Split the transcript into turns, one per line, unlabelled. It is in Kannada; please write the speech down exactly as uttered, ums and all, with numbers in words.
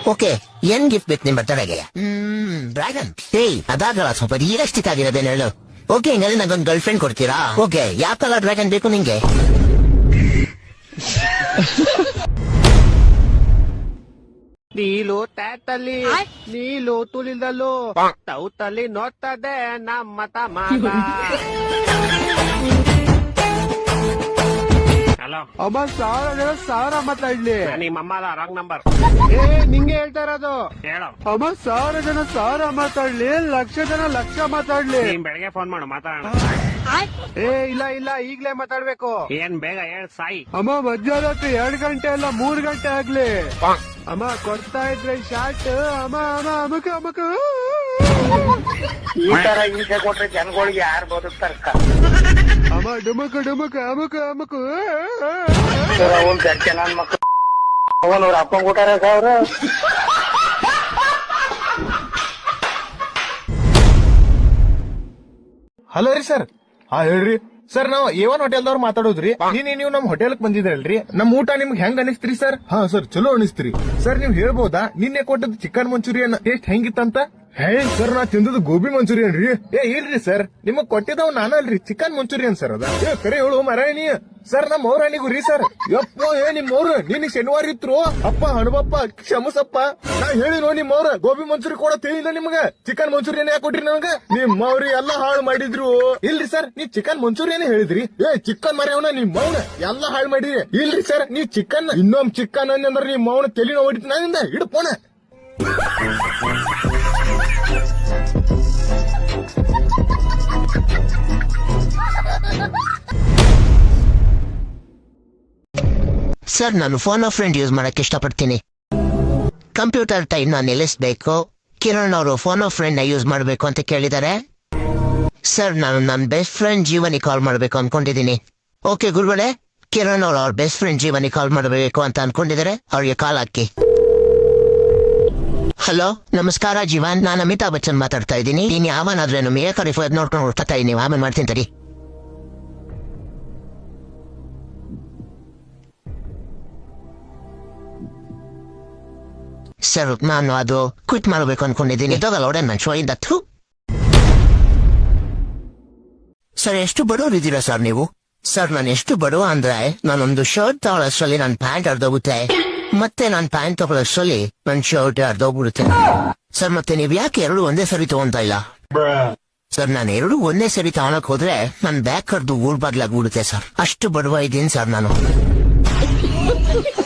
ಓಕೆ ಏನ್ ಗಿಫ್ಟ್ ಬೇಕು ನಿಮ್ ಬರ್ತಡೆಗೆ? ಹ್ಮ್ ಡ್ರ್ಯಾಗನ್. ಏಯ್ ಅದಾಗಲ್ಲ, ಸ್ವಲ್ಪ ರಿಯಲಿಸ್ಟಿಕ್ ಆಗಿರೋದೇನು ಹೇಳು. ಓಕೆ ಹಿಂಗಾದ್ರೆ ನಂಗೊಂದು ಗರ್ಲ್ ಫ್ರೆಂಡ್ ಕೊಡ್ತೀರಾ? ಓಕೆ ಯಾವ ಕಲರ್ ಡ್ರ್ಯಾಗನ್ ಬೇಕು ನಿಂಗೆ?
ನೀಲು ಟ್ಯಾಟಲ್ಲಿ ನೀಲು ತುಳಿದಲು ತೌತಲ್ಲಿ ನೋಡ್ತದೆ ನಮ್ಮ ತಮ್ಮ. ಹಲೋ ಅಮ್ಮ, ಸಾವಿರ ಜನ ಸಾವಿರ ಮಾತಾಡ್ಲಿ. ನಿಮ್ಮಮ್ಮ ರಾಂಗ್ ನಂಬರ್. ಏ ನಿಂಗೆ ಹೇಳ್ತಾ ಇರೋದು. ಹೇಳು ಅಮ್ಮ, ಸಾವಿರ ಜನ ಸಾವಿರ ಮಾತಾಡ್ಲಿ, ಲಕ್ಷ ಜನ ಲಕ್ಷ ಮಾತಾಡ್ಲಿ. ಬೆಳಗ್ಗೆ ಫೋನ್ ಮಾಡು ಮಾತಾಡೋಣ. ಏ ಇಲ್ಲ ಇಲ್ಲ, ಈಗ್ಲೇ ಮಾತಾಡ್ಬೇಕು. ಏನ್ ಬೇಗ ಹೇಳ್ ಸಾಯಿ. ಅಮ್ಮ ಮಧ್ಯಾಹ್ನ ಎರಡ್ ಗಂಟೆ ಅಲ್ಲ ಮೂರ್ ಗಂಟೆ ಆಗ್ಲಿ. ಅಮ್ಮ ಕೊಡ್ತಾ ಇದ್ರೆ ಶಾರ್ಟ್. ಅಮ್ಮ ಅಮ್ಮ ಅಮಕ ಅಮಕ.
ಈ ತರ ಹಿಂಸೆ ಕೊಟ್ರೆ ಜನಗಳಿಗೆ ಯಾರು ಬದುಕ್ತಾರ?
ಅಮ್ಮ ಡುಮಕ ಡುಮಕ ಅಮಕ ಅಮಕ.
ನನ್ ಮಕ್ಳು ಅವನವ್ರ ಅಪ್ಪ ಕೊಟ್ಟಾರ ಸಾವಿರ.
ಹಲೋ ರೀ ಸರ್. ಹಾ ಹೇಳ್ರಿ ಸರ್, ನಾವ್ ಏವನ್ ಹೋಟೆಲ್ದವ್ರು ಮಾತಾಡೋದ್ರಿ. ನೀನ್ ನೀವು ನಮ್ ಹೋಟೆಲ್ ಬಂದಿದ್ರಲ್ರಿ, ನಮ್ ಊಟ ನಿಮ್ಗೆ ಹೆಂಗ್ ಅನಿಸ್ತ್ರಿ ಸರ್? ಹಾ ಸರ್, ಚಲೋ ಅನಿಸ್ತ್ರಿ ಸರ್. ನೀವ್ ಹೇಳ್ಬೋದಾ ನಿನ್ನೆ ಕೊಟ್ಟದ್ ಚಿಕನ್ ಮಂಚೂರಿಯನ್ ಟೇಸ್ಟ್ ಹೆಂಗಿತ್ತಂತ? ಹೇ ಸರ್, ನಾ ತಿಂದದ್ದು ಗೋಬಿ ಮಂಚೂರಿಯನ್ ರೀ. ಏ ಇಲ್ರಿ ಸರ್, ನಿಮಗ್ ಕೊಟ್ಟಿದ್ದವ್ ನಾನಲ್ರಿ, ಚಿಕನ್ ಮಂಚೂರಿಯನ್ ಸರ್ ಅದ. ಏ ಕರೆ ಹೇಳು ಮರಾಯಣಿ ಸರ್, ನಮ್ ಮೌರಾಣಿಗೂ ರೀ ಸರ್. ಯಪ್ಪ ಏ ನಿಮ್ ಅವ್ರ ನಿನ್ ಶನಿವಾರ ಇತ್ರು ಅಪ್ಪ ಹಣಬಪ್ಪ ಕ್ಷಮಸಪ್ಪ. ನಾ ಹೇಳಿನೋ ನಿಮ್ ಅವ್ರ ಗೋಬಿ ಮಂಚೂರಿ ಕೂಡ ತಿಳಿದ ನಿಮ್ಗ, ಚಿಕನ್ ಮಂಚೂರಿಯನ್ ಯಾಕೆ ಕೊಟ್ರಿ ನನಗ? ನಿಮ್ ಅವ್ರಿ ಎಲ್ಲಾ ಹಾಳು ಮಾಡಿದ್ರು. ಇಲ್ರಿ ಸರ್, ನೀವ್ ಚಿಕನ್ ಮಂಚೂರಿಯನ್ ಹೇಳಿದ್ರಿ. ಏ ಚಿಕನ್ ಮರ್ಯಾವನ ನಿಮ್ ಮೌನ ಎಲ್ಲಾ ಹಾಳು ಮಾಡಿರಿ. ಇಲ್ರಿ ಸರ್, ನೀವ್ ಚಿಕನ್ ಇನ್ನೊಮ್ ಚಿಕನ್ ಅಂದ್ರೆ ನಿಮ್ ಮೌನ ತೆಲಿನ ಹೊಡಿತ ನಾನಿಂದ ಹಿಡ್ಪೋಣ.
ಸರ್, ನಾನು ಫೋನ್ ಆಫ್ ಫ್ರೆಂಡ್ ಯೂಸ್ ಮಾಡಕ್ ಇಷ್ಟಪಡ್ತೀನಿ. ಕಂಪ್ಯೂಟರ್ ಟೈಮ್ ನಾನು ನಿಲ್ಲಿಸಬೇಕು. ಕಿರಣ್ ಅವರು ಫೋನ್ ಆಫ್ ಫ್ರೆಂಡ್ ನ ಯೂಸ್ ಮಾಡಬೇಕು ಅಂತ ಕೇಳಿದ್ದಾರೆ. ಸರ್, ನಾನು ನನ್ನ ಬೆಸ್ಟ್ ಫ್ರೆಂಡ್ ಜೀವನಿ ಕಾಲ್ ಮಾಡಬೇಕು ಅನ್ಕೊಂಡಿದ್ದೀನಿ. ಓಕೆ ಗುರುಗಳೇ, ಕಿರಣ್ ಅವರು ಅವ್ರ ಬೆಸ್ಟ್ ಫ್ರೆಂಡ್ ಜೀವನಿ ಕಾಲ್ ಮಾಡಬೇಕು ಅಂತ ಅನ್ಕೊಂಡಿದ್ದಾರೆ, ಅವ್ರಿಗೆ ಕಾಲ್ ಹಾಕಿ. ಹಲೋ ನಮಸ್ಕಾರ ಜೀವನ್, ನಾನು ಅಮಿತಾಬ್ ಬಚ್ಚನ್ ಮಾತಾಡ್ತಾ ಇದ್ದೀನಿ. ನೀನ್ ಯಾವನಾದ್ರೇನು ಮೇ ಕರಿಫ್ ನೋಡ್ಕೊಂಡು ಹೊಡ್ತಾ ಇದೀನಿ, ಆಮೇಲೆ ಮಾಡ್ತೀನಿ ತಡಿ. ಸರ್, ನಾನು ಅದು ಕ್ವಿಟ್ ಮಾಡಬೇಕು ಅನ್ಕೊಂಡಿದ್ದೀನಿ. ಇದಾಗಲ್ಲ ಒಡೆ ಮನುಷ್ಯ ಇದ್ದತ್ತು. ಸರ್, ಎಷ್ಟು ಬಡವರಿದ್ದೀರಾ ಸರ್ ನೀವು? ಸರ್, ನಾನು ಎಷ್ಟು ಬಡವ ಅಂದ್ರೆ ನಾನೊಂದು ಶರ್ಟ್ ತಗೊಳ್ಳೋಷ್ಟರಲ್ಲಿ ನನ್ನ ಪ್ಯಾಂಟ್ ಅರ್ಧೋಗುತ್ತೆ, ಮತ್ತೆ ನಾನು ಪ್ಯಾಂಟ್ ತಗೊಳ್ಳೋಷ್ಟರಲ್ಲಿ ನನ್ನ ಶರ್ಟ್ ಅರ್ಧೋಗ್ಬಿಡುತ್ತೆ. ಸರ್, ಮತ್ತೆ ನೀವ್ ಯಾಕೆ ಎರಡು ಒಂದೇ ಸರಿ ತಗೊಂತ ಇಲ್ಲ? ಸರ್, ನಾನು ಎರಡು ಒಂದೇ ಸರಿ ತಗೊಳಕ್ ಹೋದ್ರೆ ನನ್ ಬ್ಯಾಗ್ ಕರ್ದು ಊರ್ ಬಾಗ್ಲಾಗ್ಬಿಡುತ್ತೆ ಸರ್. ಅಷ್ಟು ಬಡವ ಇದ್ದೀನಿ ಸರ್ ನಾನು.